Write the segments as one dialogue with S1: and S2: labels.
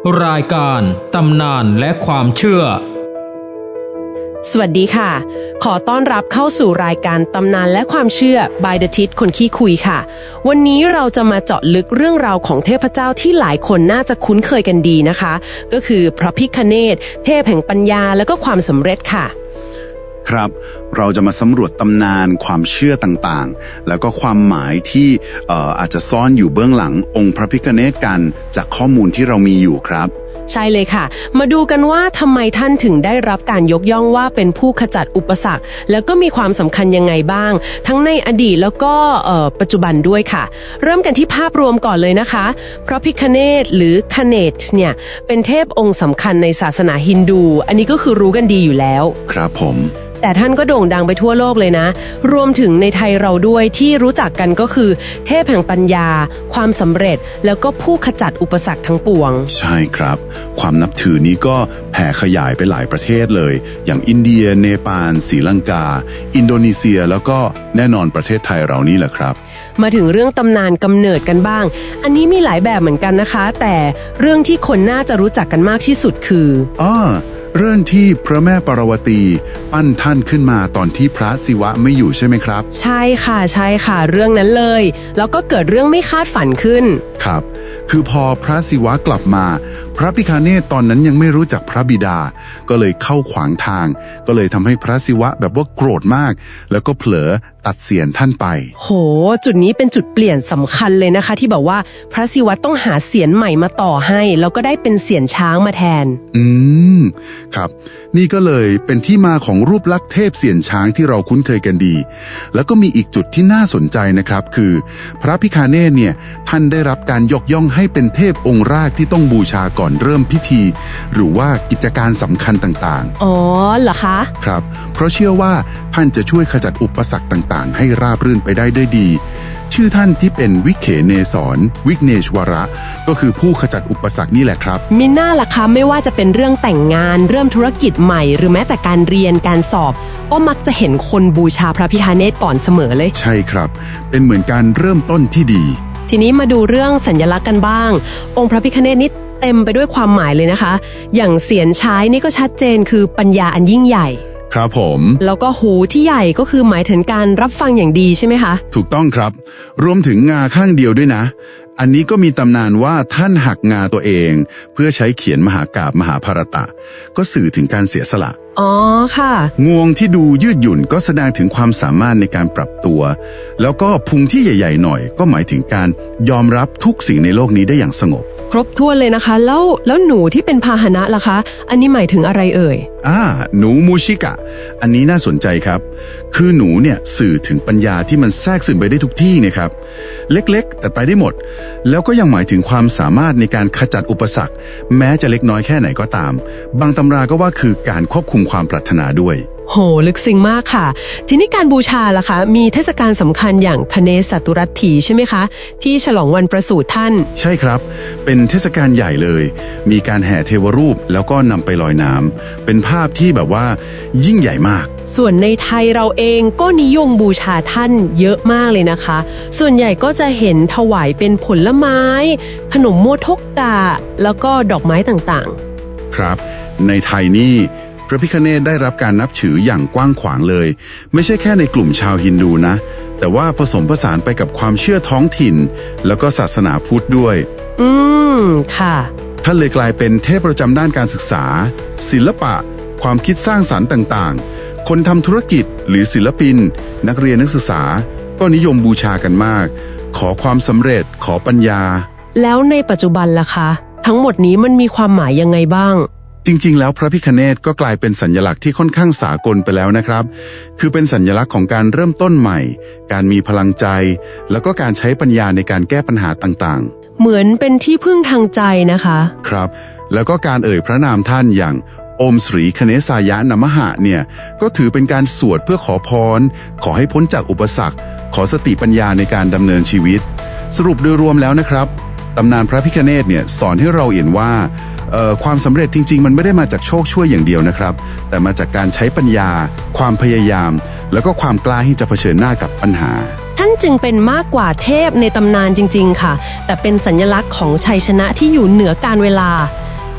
S1: รายการตำนานและความเชื่อ
S2: สวัสดีค่ะขอต้อนรับเข้าสู่รายการตำนานและความเชื่อ by the ทิศคนขี้คุยค่ะวันนี้เราจะมาเจาะลึกเรื่องราวของเทพเจ้าที่หลายคนน่าจะคุ้นเคยกันดีนะคะก็คือพระพิฆเนศเทพแห่งปัญญาและก็ความสำเร็จค่ะ
S3: ครับเราจะมาสำรวจตำนานความเชื่อต่างๆแล้วก็ความหมายที่อาจจะซ่อนอยู่เบื้องหลังองค์พระพิฆเนศกันจากข้อมูลที่เรามีอยู่ครับ
S2: ใช่เลยค่ะมาดูกันว่าทำไมท่านถึงได้รับการยกย่องว่าเป็นผู้ขจัดอุปสรรคแล้วก็มีความสำคัญยังไงบ้างทั้งในอดีตแล้วก็ปัจจุบันด้วยค่ะเริ่มกันที่ภาพรวมก่อนเลยนะคะพระพิฆเนศหรือคเนศเนี่ยเป็นเทพองค์สำคัญในศาสนาฮินดูอันนี้ก็คือรู้กันดีอยู่แล้ว
S3: ครับผม
S2: แต่ท่านก็โด่งดังไปทั่วโลกเลยนะรวมถึงในไทยเราด้วยที่รู้จักกันก็คือเทพแห่งปัญญาความสำเร็จแล้วก็ผู้ขจัดอุปสรรคทั้งปวง
S3: ใช่ครับความนับถือนี้ก็แผ่ขยายไปหลายประเทศเลยอย่างอินเดียเนปาลศรีลังกาอินโดนีเซียแล้วก็แน่นอนประเทศไทยเรานี่แหละครับ
S2: มาถึงเรื่องตำนานกำเนิดกันบ้างอันนี้มีหลายแบบเหมือนกันนะคะแต่เรื่องที่คนน่าจะรู้จักกันมากที่สุดคือ
S3: เรื่องที่พระแม่ปารวตีปั้นท่านขึ้นมาตอนที่พระศิวะไม่อยู่ใช่ไหมครับ
S2: ใช่ค่ะเรื่องนั้นเลยแล้วก็เกิดเรื่องไม่คาดฝันขึ้น
S3: ครับคือพอพระศิวะกลับมาพระพิฆเนศตอนนั้นยังไม่รู้จักพระบิดาก็เลยเข้าขวางทางก็เลยทำให้พระศิวะแบบว่าโกรธมากแล้วก็เผลอตัดเศียรท่านไป
S2: โหจุดนี้เป็นจุดเปลี่ยนสำคัญเลยนะคะที่บอกว่าพระศิวะต้องหาเศียรใหม่มาต่อให้แล้วก็ได้เป็นเศียรช้างมาแทน
S3: ครับนี่ก็เลยเป็นที่มาของรูปลักษณ์เทพเศียรช้างที่เราคุ้นเคยกันดีแล้วก็มีอีกจุดที่น่าสนใจนะครับคือพระพิฆเนศเนี่ยท่านได้รับการยกย่องให้เป็นเทพองค์แรกที่ต้องบูชาก่อนเริ่มพิธีหรือว่ากิจการสำคัญต่าง
S2: ๆอ๋อเหรอคะ
S3: ครับเพราะเชื่อว่าท่านจะช่วยขจัดอุปสรรคต่างๆให้ราบรื่นไปได้ด้วยดีชื่อท่านที่เป็นวิเขเนศรวิกเนชวระก็คือผู้ขจัดอุปสรรคนี่แหละครับ
S2: มิน่าล่ะคะไม่ว่าจะเป็นเรื่องแต่งงานเริ่มธุรกิจใหม่หรือแม้แต่การเรียนการสอบก็มักจะเห็นคนบูชาพระพิฆเนศก่อนเสมอเลย
S3: ใช่ครับเป็นเหมือนการเริ่มต้นที่ดี
S2: ทีนี้มาดูเรื่องสัญลักษณ์กันบ้างองค์พระพิฆเนศนี้เต็มไปด้วยความหมายเลยนะคะอย่างเศียรช้ายนี่ก็ชัดเจนคือปัญญาอันยิ่งใหญ่
S3: ครับผม
S2: แล้วก็หูที่ใหญ่ก็คือหมายถึงการรับฟังอย่างดีใช่ไหมคะ
S3: ถูกต้องครับรวมถึงงาข้างเดียวด้วยนะอันนี้ก็มีตำนานว่าท่านหักงาตัวเองเพื่อใช้เขียนมหากาพย์มหาภารตะก็สื่อถึงการเสียสละ
S2: อ๋อค่ะ
S3: งวงที่ดูยืดหยุ่นก็แสดงถึงความสามารถในการปรับตัวแล้วก็พุงที่ใหญ่ๆหน่อยก็หมายถึงการยอมรับทุกสิ่งในโลกนี้ได้อย่างสงบ
S2: ครบถ้วนเลยนะคะแล้วหนูที่เป็นพาหนะล่ะคะอันนี้หมายถึงอะไรเอ่ย
S3: หนูมูชิกะอันนี้น่าสนใจครับคือหนูเนี่ยสื่อถึงปัญญาที่มันแทรกซึมไปได้ทุกที่นะครับเล็กๆแต่ไปได้หมดแล้วก็ยังหมายถึงความสามารถในการขจัดอุปสรรคแม้จะเล็กน้อยแค่ไหนก็ตามบางตำราก็ว่าคือการควบคุมความปรารถนาด้วย
S2: โหลึกซึ้งมากค่ะทีนี้การบูชาล่ะคะมีเทศกาลสำคัญอย่างคเนศตุรัตถีใช่ไหมคะที่ฉลองวันประสูติท่าน
S3: ใช่ครับเป็นเทศกาลใหญ่เลยมีการแห่เทวรูปแล้วก็นำไปลอยน้ำเป็นภาพที่แบบว่ายิ่งใหญ่มาก
S2: ส่วนในไทยเราเองก็นิยมบูชาท่านเยอะมากเลยนะคะส่วนใหญ่ก็จะเห็นถวายเป็นผลไม้ขนมโมทกกะแล้วก็ดอกไม้ต่าง
S3: ๆครับในไทยนี่พระพิฆเนศได้รับการนับถืออย่างกว้างขวางเลยไม่ใช่แค่ในกลุ่มชาวฮินดูนะแต่ว่าผสมผสานไปกับความเชื่อท้องถิ่นแล้วก็ศาสนาพุทธด้วย
S2: ค่ะ
S3: ท่านเลยกลายเป็นเทพประจำด้านการศึกษาศิลปะความคิดสร้างสรรค์ต่างๆคนทำธุรกิจหรือศิลปินนักเรียนนักศึกษาก็นิยมบูชากันมากขอความสำเร็จขอปัญญา
S2: แล้วในปัจจุบันล่ะคะทั้งหมดนี้มันมีความหมายยังไงบ้าง
S3: จริงๆแล้วพระพิฆเนศก็กลายเป็นสัญลักษณ์ที่ค่อนข้างสากลไปแล้วนะครับคือเป็นสัญลักษณ์ของการเริ่มต้นใหม่การมีพลังใจแล้วก็การใช้ปัญญาในการแก้ปัญหาต่าง
S2: ๆเหมือนเป็นที่พึ่งทางใจนะคะ
S3: ครับแล้วก็การเอ่ยพระนามท่านอย่างโอมสรีคเนสายะนมหะเนี่ยก็ถือเป็นการสวดเพื่อขอพรขอให้พ้นจากอุปสรรคขอสติปัญญาในการดำเนินชีวิตสรุปโดยรวมแล้วนะครับตำนานพระพิฆเนศเนี่ยสอนให้เราเห็นว่าความสำเร็จจริงๆมันไม่ได้มาจากโชคช่วยอย่างเดียวนะครับแต่มาจากการใช้ปัญญาความพยายามแล้วก็ความกล้าที่จะเผชิญหน้ากับปัญหา
S2: ท่านจึงเป็นมากกว่าเทพในตำนานจริงๆค่ะแต่เป็นสัญลักษณ์ของชัยชนะที่อยู่เหนือกาลเวลา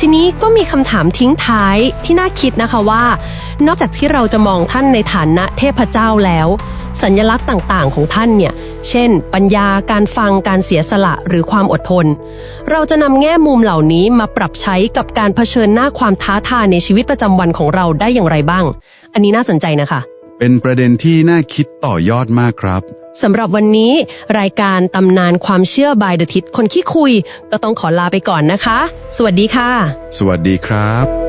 S2: ทีนี้ก็มีคำถามทิ้งท้ายที่น่าคิดนะคะว่า นอกจากที่เราจะมองท่านในฐานะเทพเจ้าแล้วสัญลักษณ์ต่างๆของท่านเนี่ยเช่นปัญญาการฟังการเสียสละหรือความอดทนเราจะนำแง่มุมเหล่านี้มาปรับใช้กับการเผชิญหน้าความท้าทายในชีวิตประจำวันของเราได้อย่างไรบ้างอันนี้น่าสนใจนะคะ
S3: เป็นประเด็นที่น่าคิดต่อยอดมากครับ
S2: สำหรับวันนี้รายการตำนานความเชื่อบายเดอะทิศคนขี้คุยก็ต้องขอลาไปก่อนนะคะสวัสดีค่ะ
S3: สวัสดีครับ